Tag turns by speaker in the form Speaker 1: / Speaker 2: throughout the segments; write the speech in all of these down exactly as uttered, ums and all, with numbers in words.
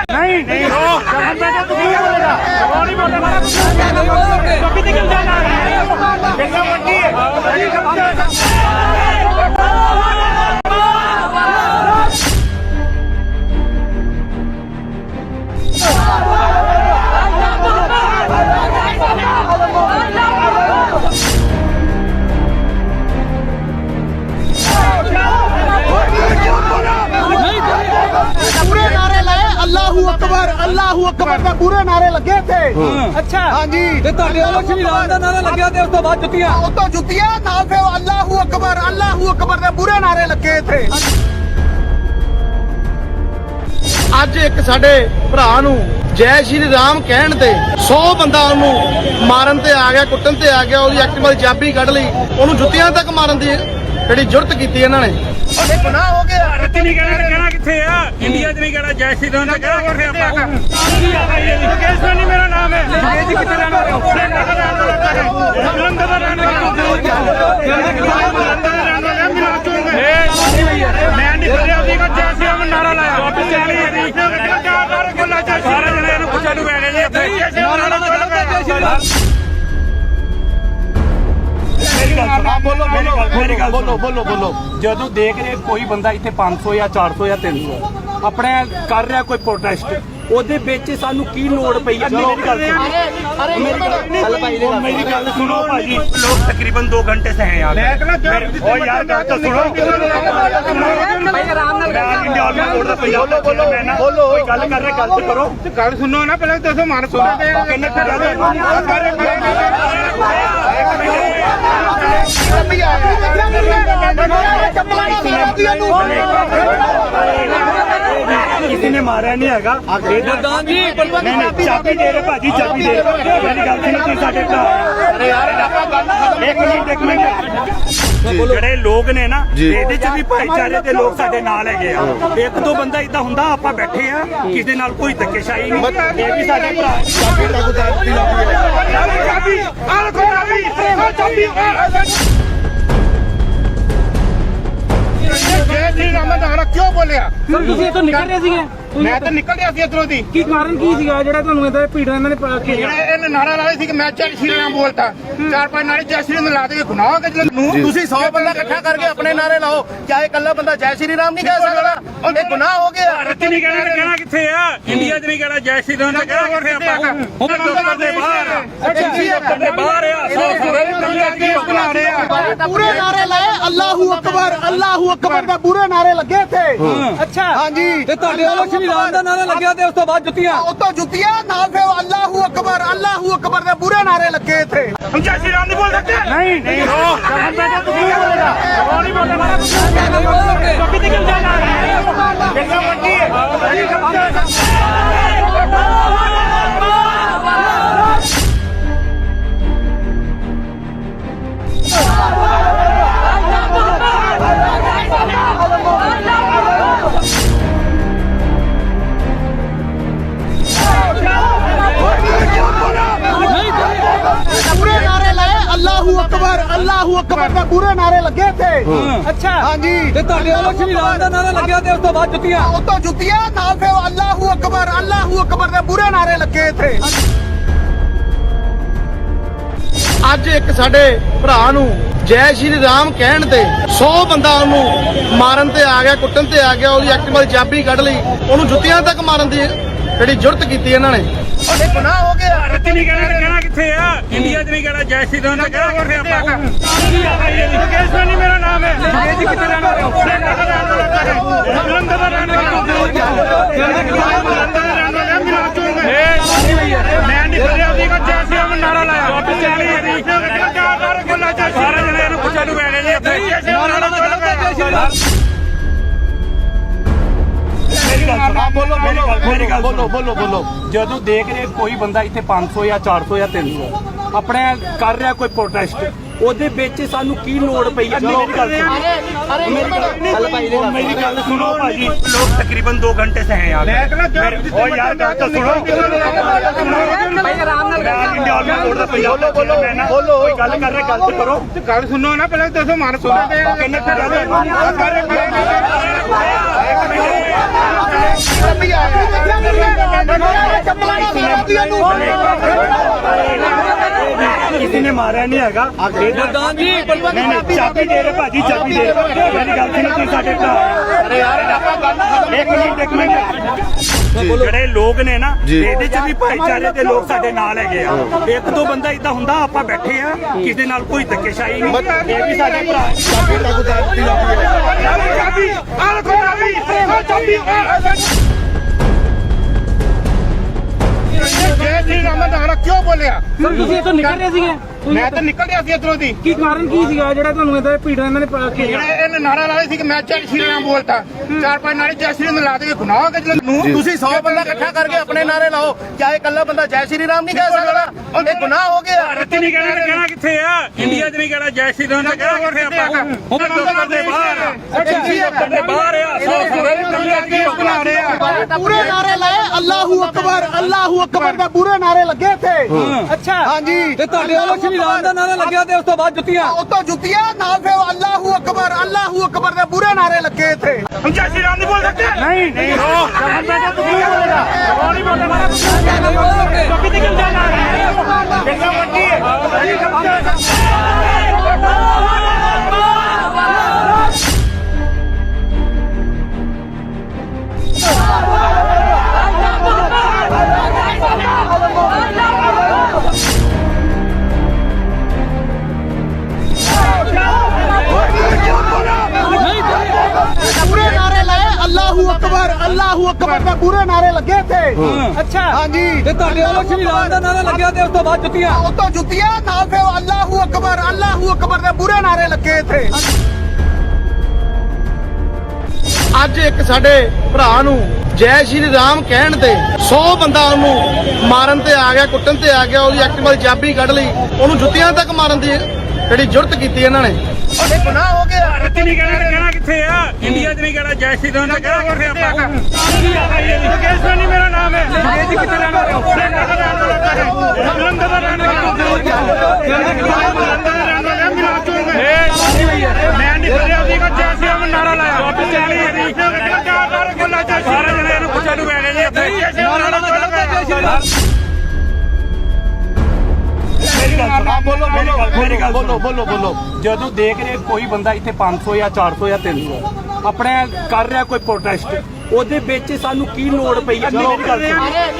Speaker 1: नहीं नहीं
Speaker 2: अल्लाहू अकबर अल्लाहू अकबर ਦੇ ਪੂਰੇ ਨਾਰੇ ਲੱਗੇ थे।
Speaker 1: अच्छा
Speaker 2: ਹਾਂਜੀ
Speaker 1: ਤੇ ਤੁਹਾਡੇ ਵੱਲੋਂ ਸ਼੍ਰੀ ਰਾਮ ਦਾ ਨਾਰਾ ਲੱਗਿਆ ਤੇ ਉਸ ਤੋਂ ਬਾਅਦ ਜੁੱਤੀਆਂ
Speaker 2: ਉਹ ਤੋਂ ਜੁੱਤੀਆਂ ਨਾਲ ਫਿਰ ਅੱਲਾਹੂ ਅਕਬਰ ਅੱਲਾਹੂ ਅਕਬਰ ਦੇ ਪੂਰੇ ਨਾਰੇ ਲੱਗੇ ਥੇ। ਅੱਜ ਇੱਕ ਸਾਡੇ ਭਰਾ ਨੂੰ ਜੈ ਸ਼੍ਰੀ ਰਾਮ ਕਹਿਣ ਤੇ ਸੌ ਬੰਦਾ ਉਹਨੂੰ ਮਾਰਨ ਤੇ ਆ ਗਿਆ, ਕੁੱਟਣ ਤੇ ਆ ਗਿਆ, ਉਹਦੀ ਐਕਟਿਵਾ ਦੀ ਚਾਬੀ ਕੱਢ ਲਈ, ਉਹਨੂੰ ਜੁੱਤੀਆਂ ਤੱਕ ਮਾਰਨ ਦੀ ਜਿਹੜੀ ਜੁਰਤ ਕੀਤੀ ਇਹਨਾਂ ਨੇ। ਇਹ ਗੁਨਾਹ ਹੋ ਗਿਆ।
Speaker 1: ਭਾਰਤ ਨਹੀਂ ਕਹਿਣਾ ਕਹਿਣਾ ਕਿੱਥੇ ਆ, ਇੰਡੀਆ 'ਚ ਨਹੀਂ ਕਹਿਣਾ ਜੈ ਸ਼੍ਰੀ ਰਾਮ ਦਾ ਕਹਿਣਾ ਕਿੱਥੇ ਆਪਾਂ। ਮੁਕੇਸ਼ ਸੋਨੀ ਮੇਰਾ ਨਾਮ ਹੈ। ਮੁਕੇਸ਼ ਜੀ ਕਿੱਥੇ ਰਹਿਣਾ ਹੈ? ਜਲੰਧਰ ਦਾ ਰਹਿਣ ਵਾਲਾ ਮੈਂ ਨਹੀਂ ਕਰਿਆ ਸੀਗਾ ਜੈ ਸ਼੍ਰੀ ਰਾਮ ਨਾਰਾ ਲਾਇਆ। ਵਾਪਸ ਚੱਲੀ ਇਹਦੀ ਚਾਰ ਵਾਰ ਗੱਲਾਂ ਚ ਸਾਰੇ ਜਣੇ ਇਹਨੂੰ ਪੁੱਛਣ ਨੂੰ ਪੈ ਗਏ ਜੀ ਇੱਥੇ ਜੈ ਸ਼੍ਰੀ ਰਾਮ ਨਾਰਾ ਜੈ ਸ਼੍ਰੀ ਰਾਮ।
Speaker 2: ਬੋਲੋ ਬੋਲੋ ਬੋਲੋ ਬੋਲੋ ਬੋਲੋ
Speaker 1: ਜਦੋਂ ਦੇਖ ਰਹੇ ਕੋਈ ਬੰਦਾ ਇੱਥੇ ਪੰਜ ਸੌ ਜਾਂ ਚਾਰ ਸੌ ਜਾਂ ਤਿੰਨ ਸੌ ਆਪਣੇ ਕਰ ਰਿਹਾ ਕੋਈ ਪ੍ਰੋਟੈਸਟ, ਉਹਦੇ ਵਿੱਚ ਸਾਨੂੰ ਕੀ ਲੋੜ ਪਈ ਹੈ? ਮੇਰੀ ਗੱਲ ਸੁਣੋ, ਮੇਰੀ ਗੱਲ ਸੁਣੋ ਭਾਜੀ, ਲੋग तकरीबन दो घंटे से हैं यार। और यार बात तो सुनो, भाई आराम ਨਾਲ बोलो बोलो बोलो कोई गल कर रहे, गल करो, गल सुनो ना पहले दसो मान सुनो किन्ने किसी ने मारा नहीं है। चाबी दे रहे भाजी, चाबी दे मेरी गल सुनो, साडे एक मिनट एक मिनट ਜਿਹੜੇ ਲੋਕ ਨੇ ਨਾ ਇਹਦੇ ਚ ਵੀ ਭਾਈਚਾਰੇ ਦੇ ਲੋਕ ਸਾਡੇ ਨਾਲ ਹੈਗੇ ਆ। ਇੱਕ ਦੋ ਬੰਦਾ ਇਦਾਂ ਹੁੰਦਾ, ਆਪਾਂ ਬੈਠੇ ਆ, ਕਿਸੇ ਨਾਲ ਕੋਈ ਧੱਕੇਸ਼ਾਹੀ ਨਹੀਂ, ਇਹ ਵੀ ਸਾਡੇ ਭਰਾ। ਚਾਬੀ ਚਾਬੀ ਚਾਬੀ ਜੈ ਸ਼੍ਰੀ ਰਾਮ ਦਾ ਨਾਰਾ ਕਿਉਂ ਬੋਲਿਆ?
Speaker 3: ਸਰ ਤੁਸੀਂ ਇੱਥੋਂ ਨਿਕਲ ਰਹੇ ਸੀਗੇ?
Speaker 1: ਮੈਂ ਤਾਂ ਨਿਕਲ ਰਿਹਾ ਸੀ ਇੱਧਰੋਂ ਦੀ।
Speaker 3: ਕੀ ਕਾਰਨ ਕੀ ਸੀਗਾ ਜਿਹੜਾ ਤੁਹਾਨੂੰ ਇਹਦਾ ਭੀੜ ਇਹਨਾਂ ਨੇ ਘੇਰਿਆ?
Speaker 1: ਇਹਨੇ ਨਾਰਾ ਲਾਇਆ ਸੀ ਕਿ ਮੈਂ ਜੈ ਸ਼੍ਰੀ ਰਾਮ ਬੋਲਤਾ, ਚਾਰ ਪੰਜ ਨਾਰੇ ਜੈ ਸ਼੍ਰੀ ਰਾਮ ਲਾ ਦੇ, ਗੁਨਾਹ ਹੋ ਗਿਆ।
Speaker 2: ਤੁਸੀਂ ਸੌ ਬੰਦਾ ਇਕੱਠਾ ਕਰਕੇ ਆਪਣੇ ਨਾਰੇ ਲਾਓ, ਕਿਆ ਇਕੱਲਾ ਬੰਦਾ ਜੈ ਸ਼੍ਰੀ ਰਾਮ ਨਹੀਂ ਕਹਿ ਸਕਦਾ? ਇਹ ਗੁਨਾਹ ਹੋ ਗਿਆ।
Speaker 1: ਭਾਰਤ ਨਹੀਂ ਕਹਿਣਾ ਕਹਿਣਾ ਕਿੱਥੇ ਆ, ਇੰਡੀਆ 'ਚ ਨਹੀਂ ਕਹਿਣਾ ਜੈ ਸ਼੍ਰੀ ਰਾਮ ਦਾ ਕਹਿਣਾ ਕਿੱਥੇ ਆਪਾਂ। ਹੁਣ ਦਫ਼ਤਰ ਦੇ ਬਾਹਰ ਆ, ਦਫ਼ਤਰ ਦੇ ਬਾਹਰ ਆ, ਸੌ ਸਾਰੇ ਬਣਾ ਰਹੇ ਆ।
Speaker 2: ਪੂਰੇ ਨਾਰੇ ਲਾਏ ਅੱਲਾਹੂ ਅਕਬਰ ਅੱਲਾਹੂ ਅਕਬਰ ਦੇ ਪੂਰੇ ਨਾਰੇ ਲੱਗੇ ਥੇ।
Speaker 3: ਅੱਛਾ
Speaker 2: ਹਾਂਜੀ
Speaker 3: ਤੇ ਤੁਹਾਡੇ ਵੱਲੋਂ ਸ਼੍ਰੀ ਰਾਮ ਦਾ ਨਾਰਾ ਲੱਗਿਆ ਤੇ ਉਸ ਤੋਂ ਬਾਅਦ ਜੁੱਤੀਆਂ
Speaker 2: ਉਹ ਤੋਂ ਜੁੱਤੀਆਂ ਨਾਲ ਫਿਰ ਅੱਲਾਹੂ ਅਕਬਰ ਅੱਲਾਹੂ ਅਕਬਰ ਦੇ ਪੂਰੇ ਨਾਰੇ ਲੱਗੇ ਥੇ।
Speaker 1: हम जय श्री राम नहीं बोल सकते? नहीं नहीं तू नहीं बोलेगा, वो नहीं बोलेगा, कभी निकल जाना है, बिल्कुल मंडी है।
Speaker 2: ਪੂਰੇ ਨਾਰੇ ਲਾਏ ਅੱਲਾਹੂ ਅਕਬਰ ਅੱਲਾਹੂ ਅਕਬਰ ਦੇ ਪੂਰੇ ਨਾਰੇ ਲੱਗੇ ਥੇ।
Speaker 3: ਅੱਛਾ
Speaker 2: ਹਾਂਜੀ
Speaker 3: ਤੇ ਤੁਹਾਡੇ ਵੱਲੋਂ ਸ਼੍ਰੀ ਰਾਮ ਦਾ ਨਾਰਾ ਲੱਗਿਆ ਤੇ ਉਸ ਤੋਂ ਬਾਅਦ ਜੁੱਤੀਆਂ
Speaker 2: ਉਹ ਤੋਂ ਜੁੱਤੀਆਂ ਨਾਲ ਫਿਰ ਅੱਲਾਹੂ ਅਕਬਰ ਅੱਲਾਹੂ ਅਕਬਰ ਦੇ ਪੂਰੇ ਨਾਰੇ ਲੱਗੇ ਥੇ। ਅੱਜ ਇੱਕ ਸਾਡੇ ਭਰਾ ਨੂੰ ਜੈ ਸ਼੍ਰੀ ਰਾਮ ਕਹਿਣ ਤੇ ਸੌ ਬੰਦਾ ਉਹਨੂੰ ਮਾਰਨ ਤੇ ਆ ਗਿਆ, ਕੁੱਟਣ ਤੇ ਆ ਗਿਆ, ਉਹਦੀ ਐਕਟਿਵਾ ਦੀ ਚਾਬੀ ਕੱਢ ਲਈ, ਉਹਨੂੰ ਜੁੱਤੀਆਂ ਤੱਕ ਮਾਰਨ ਦੀ ਜਿਹੜੀ ਜੁਰਤ ਕੀਤੀ ਇਹਨਾਂ ਨੇ। ਇਹ ਗੁਨਾਹ ਹੋ ਗਿਆ।
Speaker 1: ਭਾਰਤ ਨਹੀਂ ਕਹਿਣਾ ਕਹਿਣਾ ਕਿੱਥੇ ਆ, ਇੰਡੀਆ 'ਚ ਨਹੀਂ ਕਹਿਣਾ ਜੈ ਸ਼੍ਰੀ ਰਾਮ ਦਾ ਕਹਿਣਾ ਕਿੱਥੇ ਆਪਾਂ। ਮੁਕੇਸ਼ ਸੋਨੀ ਮੇਰਾ ਨਾਮ ਹੈ। ਮੁਕੇਸ਼ ਜੀ ਕਿੱਥੇ ਰਹਿਣਾ ਹੈ? ਜਲੰਧਰ ਦਾ ਰਹਿਣ ਵਾਲਾ ਮੈਂ ਨਹੀਂ ਕਰਿਆ ਸੀਗਾ ਜੈ ਸ਼੍ਰੀ ਰਾਮ ਨਾਰਾ ਲਾਇਆ। ਵਾਪਸ ਚੱਲੀ ਇਹਦੀ ਚਾਰ ਵਾਰ ਗੱਲਾਂ ਚ ਸਾਰੇ ਜਣੇ ਇਹਨੂੰ ਪੁੱਛਣ ਨੂੰ ਪੈ ਗਏ ਜੀ ਇੱਥੇ ਜੈ ਸ਼੍ਰੀ ਰਾਮ ਨਾਰਾ ਜੈ ਸ਼੍ਰੀ ਰਾਮ।
Speaker 2: ਬੋਲੋ ਬੋਲੋ ਬੋਲੋ
Speaker 1: ਜਦੋਂ ਦੇਖ ਰਹੇ ਕੋਈ ਬੰਦਾ ਇੱਥੇ ਪੰਜ ਸੌ ਜਾਂ ਚਾਰ ਸੌ ਜਾਂ ਤਿੰਨ ਸੌ ਆਪਣੇ ਕਰ ਰਿਹਾ ਕੋਈ ਪ੍ਰੋਟੈਸਟ, ਉਹਦੇ ਵਿੱਚ ਸਾਨੂੰ ਕੀ ਲੋੜ ਪਈ ਹੈ? ਮੇਰੀ ਗੱਲ ਸੁਣੋ, ਮੇਰੀ ਗੱਲ ਸੁਣੋ ਭਾਜੀ, ਲੋग तकरीबन दो घंटे से हैं यार। और यार बात तो सुनो,
Speaker 3: ਭਾਈ ਆਰਾਮ ਨਾਲ
Speaker 1: बोलो बोलो बोलो कोई गल कर रहे, गल करो, गल सुनो ना पहले दसो मान सुनो किन्ने ਕਿਸੇ ਨੇ ਮਾਰਿਆ ਨਹੀਂ ਹੈਗਾ
Speaker 3: ਪ੍ਰਧਾਨ ਜੀ
Speaker 1: ਨਹੀਂ ਨਹੀਂ ਚਾਬੀ ਦੇ ਰਹੇ ਭਾਜੀ ਚਾਬੀ ਦੇ ਰਹੇ ਮੇਰੀ ਗੱਲ ਸੁਣੋ ਤੁਸੀਂ ਸਾਡੇ ਭਰਾ ਅਰੇ ਯਾਰ ਇੱਕ ਮਿੰਟ ਇੱਕ ਮਿੰਟ ਜਿਹੜੇ ਲੋਕ ਨੇ ਨਾ ਇਹਦੇ ਚ ਵੀ ਭਾਈਚਾਰੇ ਦੇ ਲੋਕ ਸਾਡੇ ਨਾਲ ਹੈਗੇ ਆ ਇੱਕ ਦੋ ਬੰਦਾ ਇਦਾਂ ਹੁੰਦਾ ਆਪਾਂ ਬੈਠੇ ਆ ਕਿਸੇ ਨਾਲ ਕੋਈ ਧੱਕੇਸ਼ਾਹੀ ਨਹੀਂ ਇਹ ਵੀ ਸਾਡੇ ਭਰਾ ਚਾਬੀ ਤੱਕ ਦਿੱਤੀ ਜਾਂਦੀ ਹੈ ਚਾਬੀ ਆਹ ਚਾਬੀ ਆਹ ਚਾਬੀ
Speaker 2: ਜੈ ਸ਼੍ਰੀ ਰਾਮ ਦਾ ਨਾਰਾ ਕਿਉਂ ਬੋਲਿਆ
Speaker 3: ਸਰ ਤੁਸੀਂ ਇੱਥੋਂ ਨਿਕਲ ਰਹੇ ਸੀਗੇ
Speaker 2: ਮੈਂ ਤਾਂ ਨਿਕਲ ਗਿਆ ਸੀ ਇੱਧਰੋਂ ਦੀ
Speaker 3: ਕੀ ਕਾਰਨ ਕੀ ਸੀਗਾ ਜਿਹੜਾ ਤੁਹਾਨੂੰ ਇਹਦਾ ਭੀੜ ਇਹਨਾਂ ਨੇ ਪਾ ਕੇ
Speaker 2: ਜਿਹੜੇ ਇਹਨੇ ਨਾਰਾ ਲਾਇਆ ਸੀ ਕਿ ਮੈਂ ਜੈ ਸ਼੍ਰੀ ਰਾਮ ਬੋਲਤਾ ਚਾਰ ਪੰਜ ਨਾਰੇ ਜੈ ਸ਼੍ਰੀ ਰਾਮ ਲਾ ਦੇ ਗੁਨਾਹ ਹੋ ਗਿਆ ਨੂੰ ਤੁਸੀਂ ਸੌ ਬੰਦਾ ਇਕੱਠਾ ਕਰਕੇ ਆਪਣੇ ਨਾਰੇ ਲਾਓ ਕਿਆ ਇਹ ਇਕੱਲਾ ਬੰਦਾ ਜੈ ਸ਼੍ਰੀ ਰਾਮ ਨਹੀਂ ਕਹਿ ਸਕਦਾ ਇਹ ਗੁਨਾਹ ਹੋ ਗਿਆ
Speaker 1: ਭਾਰਤ ਨਹੀਂ ਕਹਿਣਾ ਕਹਿਣਾ ਕਿੱਥੇ ਆ ਇੰਡੀਆ 'ਚ ਨਹੀਂ ਕਹਿਣਾ ਜੈ ਸ਼੍ਰੀ ਰਾਮ ਦਾ ਕਹਿਣਾ ਕਿੱਥੇ ਆਪਾਂ ਹੁਣ ਦਫ਼ਤਰ ਦੇ ਬਾਹਰ ਦਫ਼ਤਰ ਦੇ ਬਾਹਰ ਆ ਸੌ ਸੌ ਬਣਾ ਰਹੇ ਆ
Speaker 2: ਪੂਰੇ ਨਾਰੇ ਲਾਏ ਅੱਲਾਹੂ ਅਕਬਰ ਅੱਲਾਹੂ ਅਕਬਰ ਦੇ ਪੂਰੇ ਨਾਰੇ ਲੱਗੇ ਇੱਥੇ
Speaker 3: ਅੱਛਾ
Speaker 2: ਹਾਂਜੀ
Speaker 3: ਤੇ ਤੁਹਾਡੇ ਵੱਲੋਂ ਸ਼੍ਰੀ ਰਾਮ ਦਾ ਨਾਰਾ ਲੱਗਿਆ ਤੇ ਉਸ ਤੋਂ ਬਾਅਦ ਜੁੱਤੀਆਂ
Speaker 2: ਉਤੋਂ ਜੁੱਤੀਆਂ ਨਾਲ ਫਿਰ ਅੱਲਾਹੂ ਅਕਬਰ ਅੱਲਾਹੂ ਅਕਬਰ ਦੇ ਪੂਰੇ ਨਾਰੇ ਲੱਗੇ ਇੱਥੇ
Speaker 1: हम जय श्री राम नहीं बोल सकते नहीं नहीं हो बोलेगा वो नहीं बोलेगा कभी निकल जाना है जगह मंडी
Speaker 2: ਪੂਰੇ ਨਾਰੇ ਲਾਏ ਅੱਲਾਹੂ ਅਕਬਰ ਅੱਲਾਹੂ ਅਕਬਰ ਦੇ ਪੂਰੇ ਨਾਰੇ ਲੱਗੇ ਇੱਥੇ
Speaker 3: ਅੱਛਾ
Speaker 2: ਹਾਂਜੀ
Speaker 3: ਤੇ ਤੁਹਾਡੇ ਵੱਲੋਂ ਸ਼੍ਰੀ ਰਾਮ ਦਾ ਨਾਰਾ ਲੱਗਿਆ ਤੇ ਉਸ ਤੋਂ ਬਾਅਦ ਜੁੱਤੀਆਂ
Speaker 2: ਉਤੋਂ ਜੁੱਤੀਆਂ ਨਾਲ ਫਿਰ ਅੱਲਾਹੂ ਅਕਬਰ ਅੱਲਾਹੂ ਅਕਬਰ ਦੇ ਪੂਰੇ ਨਾਰੇ ਲੱਗੇ ਇੱਥੇ ਅੱਜ ਇੱਕ ਸਾਡੇ ਭਰਾ ਨੂੰ ਜੈ ਸ਼੍ਰੀ ਰਾਮ ਕਹਿਣ ਤੇ ਸੌ ਬੰਦਾ ਉਹਨੂੰ ਮਾਰਨ ਤੇ ਆ ਗਿਆ ਕੁੱਟਣ ਤੇ ਆ ਗਿਆ ਉਹਦੀ ਐਕਟਿਵਾ ਦੀ ਚਾਬੀ ਕੱਢ ਲਈ ਉਹਨੂੰ ਜੁੱਤੀਆਂ ਤੱਕ ਮਾਰਨ ਦੀ ਜਿਹੜੀ ਜੁਰਤ ਕੀਤੀ ਇਹਨਾਂ ਨੇ ਇਹ ਗੁਨਾਹ ਹੋ ਗਿਆ
Speaker 1: ਭਾਰਤ ਨਹੀਂ ਕਹਿਣਾ ਕਹਿਣਾ ਕਿੱਥੇ ਆ ਇੰਡੀਆ 'ਚ ਨਹੀਂ ਕਹਿਣਾ ਜੈ ਸ਼੍ਰੀ ਰਾਮ ਦਾ ਕਹਿਣਾ ਕਿੱਥੇ ਆਪਾਂ ਮੁਕੇਸ਼ ਸੋਨੀ ਮੇਰਾ ਨਾਮ ਹੈ ਮੁਕੇਸ਼ ਜੀ ਕਿੱਥੇ ਰਹਿਣ ਵਾਲੇ ਹੋ ਜਲੰਧਰ ਦਾ ਰਹਿਣ ਵਾਲਾ ਮੈਂ ਨਹੀਂ ਕਰਿਆ ਸੀਗਾ ਜੈ ਸ਼੍ਰੀ ਰਾਮ ਨਾਰਾ ਲਾਇਆ ਵਾਪਸ ਚੱਲੀ ਹੈ ਜੀ ਸਾਰੇ ਜਣੇ ਨੂੰ ਪੁੱਛਣ ਨੂੰ ਪੈ ਗਏ ਜੀ ਇੱਥੇ ਜੈ ਸ਼੍ਰੀ ਰਾਮ ਨਾਰਾ ਲਾਇਆ ਮੇਰੀ ਗੱਲ ਸੁਣੋ ਬੋਲੋ ਮੇਰੀ ਗੱਲ ਬੋਲੋ ਬੋਲੋ ਬੋਲੋ ਜਦੋਂ ਦੇਖ ਰਹੇ ਕੋਈ ਬੰਦਾ ਇੱਥੇ ਪੰਜ ਸੌ ਜਾਂ ਚਾਰ ਸੌ ਜਾਂ ਤਿੰਨ ਸੌ ਆਪਣੇ ਕਰ ਰਿਹਾ ਕੋਈ ਪ੍ਰੋਟੈਸਟ ਉਹਦੇ ਵਿੱਚ ਸਾਨੂੰ ਕੀ ਲੋੜ ਪਈ ਹੈ ਮੇਰੀ ਗੱਲ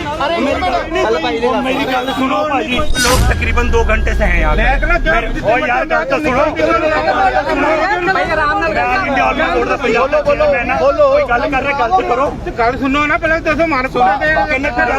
Speaker 1: ਸੁਣੋ ਮੇਰੀ ਗੱਲ ਸੁਣੋ ਭਾਜੀ ਲੋਕ ਤਕਰੀਬਨ दो घंटे से हैं यार ओ यार ਗੱਲ ਤਾਂ ਸੁਣੋ
Speaker 3: ਭਾਈ ਆਰਾਮ ਨਾਲ
Speaker 1: ਮੈਂ ਇੰਡੀਆ ਆਲ ਕੋਡ ਦਾ ਪੰਜਾਬ ਦਾ ਬੋਲੋ ਮੈਂ ਨਾ ਕੋਈ ਗੱਲ ਕਰ ਰਿਹਾ ਗੱਲ ਤੇ ਕਰੋ
Speaker 2: ਗੱਲ ਸੁਣੋ ਨਾ ਪਹਿਲਾਂ ਦੱਸੋ ਮਾਰ ਸੁਣਦੇ
Speaker 1: ਕਿੰਨੇ ਕੁ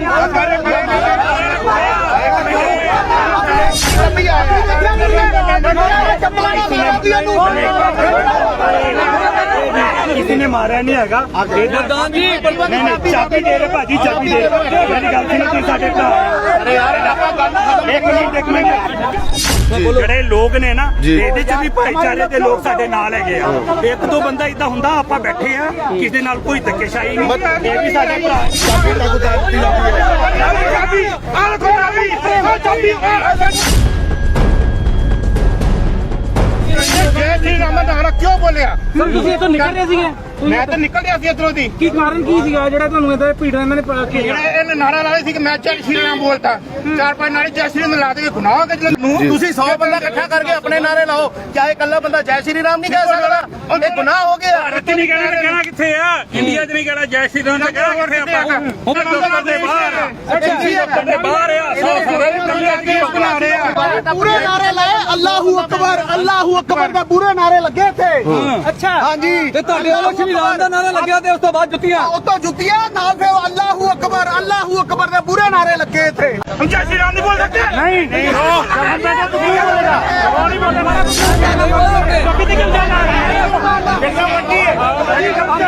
Speaker 1: ਕਿਸੇ ਨੇ ਮਾਰਿਆ ਨਹੀਂ ਹੈਗਾ
Speaker 3: ਪ੍ਰਧਾਨ ਜੀ
Speaker 1: ਨਹੀਂ ਨਹੀਂ ਚਾਬੀ ਦੇ ਰਹੇ ਭਾਜੀ ਚਾਬੀ ਦੇ ਰਹੇ ਮੇਰੀ ਗੱਲ ਸੁਣੋ ਤੁਸੀਂ ਸਾਡੇ ਭਰਾ ਅਰੇ ਯਾਰ ਇੱਕ ਮਿੰਟ ਇੱਕ ਮਿੰਟ ਜਿਹੜੇ ਲੋਕ ਨੇ ਨਾ ਇਹਦੇ ਚ ਵੀ ਭਾਈਚਾਰੇ ਦੇ ਲੋਕ ਸਾਡੇ ਨਾਲ ਹੈਗੇ ਆ ਇੱਕ ਦੋ ਬੰਦਾ ਇਦਾਂ ਹੁੰਦਾ ਆਪਾਂ ਬੈਠੇ ਆ ਕਿਸੇ ਨਾਲ ਕੋਈ ਧੱਕੇਸ਼ਾਹੀ ਨਹੀਂ ਇਹ ਵੀ ਸਾਡੇ ਭਰਾ ਚਾਬੀ ਤੱਕ ਦਿੱਤੀ ਜਾਂਦੀ ਹੈ ਚਾਬੀ ਆਹ ਚਾਬੀ ਆਹ ਚਾਬੀ
Speaker 2: ਜੈ ਸ਼੍ਰੀ ਰਾਮ ਦਾ ਨਾਰਾ ਕਿਉਂ ਬੋਲਿਆ
Speaker 3: ਸਰ ਤੁਸੀਂ ਇੱਥੋਂ ਨਿਕਲ ਰਹੇ ਸੀਗੇ
Speaker 2: ਮੈਂ ਤਾਂ ਨਿਕਲ ਗਿਆ ਸੀ ਇੱਧਰੋਂ ਦੀ
Speaker 3: ਕੀ ਕਾਰਨ ਕੀ ਸੀਗਾ ਜਿਹੜਾ ਤੁਹਾਨੂੰ ਇਹਦਾ ਭੀੜ ਇਹਨਾਂ ਨੇ ਪਾ ਕੇ
Speaker 2: ਜਿਹੜੇ ਇਹਨੇ ਨਾਰਾ ਲਾਇਆ ਸੀ ਕਿ ਮੈਂ ਜੈ ਸ਼੍ਰੀ ਰਾਮ ਬੋਲਤਾ ਚਾਰ ਪੰਜ ਨਾਰੇ ਜੈ ਸ਼੍ਰੀ ਰਾਮ ਲਾ ਦੇ ਗੁਨਾਹ ਹੋ ਗਿਆ ਨੂੰ ਤੁਸੀਂ ਸੌ ਬੰਦਾ ਇਕੱਠਾ ਕਰਕੇ ਆਪਣੇ ਨਾਰੇ ਲਾਓ ਕਿਆ ਇਹ ਇਕੱਲਾ ਬੰਦਾ ਜੈ ਸ਼੍ਰੀ ਰਾਮ ਨਹੀਂ ਕਹਿ ਸਕਦਾ ਇਹ ਗੁਨਾਹ ਹੋ ਗਿਆ
Speaker 1: ਭਾਰਤ ਨਹੀਂ ਕਹਿਣਾ ਕਹਿਣਾ ਕਿੱਥੇ ਆ ਇੰਡੀਆ 'ਚ ਨਹੀਂ ਕਹਿਣਾ ਜੈ ਸ਼੍ਰੀ ਰਾਮ ਦਾ ਕਹਿਣਾ ਕਿੱਥੇ ਆਪਾਂ ਹੁਣ ਦਫ਼ਤਰ ਦੇ ਬਾਹਰ ਦਫ਼ਤਰ ਦੇ ਬਾਹਰ ਆ ਸੌ ਸੌ ਬਣਾ ਰਹੇ ਆ
Speaker 2: ਪੂਰੇ ਨਾਰੇ ਲਾਏ ਅੱਲਾਹੂ ਅਕਬਰ ਅੱਲਾਹੂ ਅਕਬਰ ਦੇ ਪੂਰੇ ਨਾਰੇ ਲੱਗੇ ਇੱਥੇ
Speaker 3: ਅੱਛਾ
Speaker 2: ਹਾਂਜੀ
Speaker 3: ਤੇ ਤੁਹਾਡੇ ਵੱਲੋਂ ਸ਼੍ਰੀ ਰਾਮ ਦਾ ਨਾਰਾ ਲੱਗਿਆ ਤੇ ਉਸ ਤੋਂ ਬਾਅਦ ਜੁੱਤੀਆਂ
Speaker 2: ਉਤੋਂ ਜੁੱਤੀਆਂ ਨਾਲ ਫਿਰ ਅੱਲਾਹੂ ਅਕਬਰ ਅੱਲਾਹੂ ਅਕਬਰ ਦੇ ਪੂਰੇ ਨਾਰੇ ਲੱਗੇ ਇੱਥੇ
Speaker 1: हम जय श्री राम नहीं बोल सकते नहीं नहीं हो बोलेगा वो नहीं बोलेगा कभी निकल जाना है जगह मंडी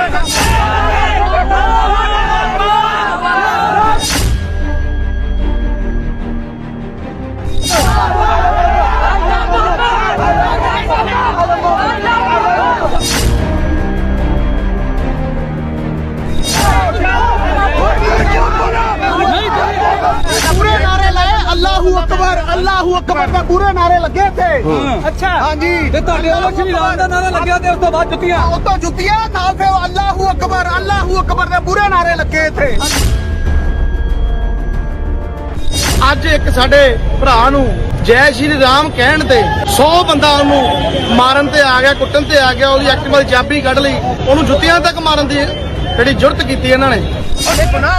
Speaker 2: ਪੂਰੇ ਨਾਰੇ ਲਾਏ ਅੱਲਾਹੂ ਅਕਬਰ ਅੱਲਾਹੂ ਅਕਬਰ ਦੇ ਪੂਰੇ ਨਾਰੇ ਲੱਗੇ ਇੱਥੇ
Speaker 3: ਅੱਛਾ
Speaker 2: ਹਾਂਜੀ
Speaker 3: ਤੇ ਤੁਹਾਡੇ ਵੱਲੋਂ ਸ਼੍ਰੀ ਰਾਮ ਦਾ ਨਾਰਾ ਲੱਗਿਆ ਤੇ ਉਸ ਤੋਂ ਬਾਅਦ ਜੁੱਤੀਆਂ
Speaker 2: ਉਤੋਂ ਜੁੱਤੀਆਂ ਨਾਲ ਫਿਰ ਅੱਲਾਹੂ ਅਕਬਰ ਅੱਲਾਹੂ ਅਕਬਰ ਦੇ ਪੂਰੇ ਨਾਰੇ ਲੱਗੇ ਇੱਥੇ ਅੱਜ ਇੱਕ ਸਾਡੇ ਭਰਾ ਨੂੰ ਜੈ ਸ਼੍ਰੀ ਰਾਮ ਕਹਿਣ ਤੇ ਸੌ ਬੰਦਾ ਉਹਨੂੰ ਮਾਰਨ ਤੇ ਆ ਗਿਆ, ਕੁੱਟਣ ਤੇ ਆ ਗਿਆ, ਉਹਦੀ ਐਕਟਿਵਾ ਦੀ ਚਾਬੀ ਕੱਢ ਲਈ, ਉਹਨੂੰ ਜੁੱਤੀਆਂ ਤੱਕ ਮਾਰਨ ਦੀ ਜਿਹੜੀ ਜੁਰਤ ਕੀਤੀ ਇਹਨਾਂ ਨੇ।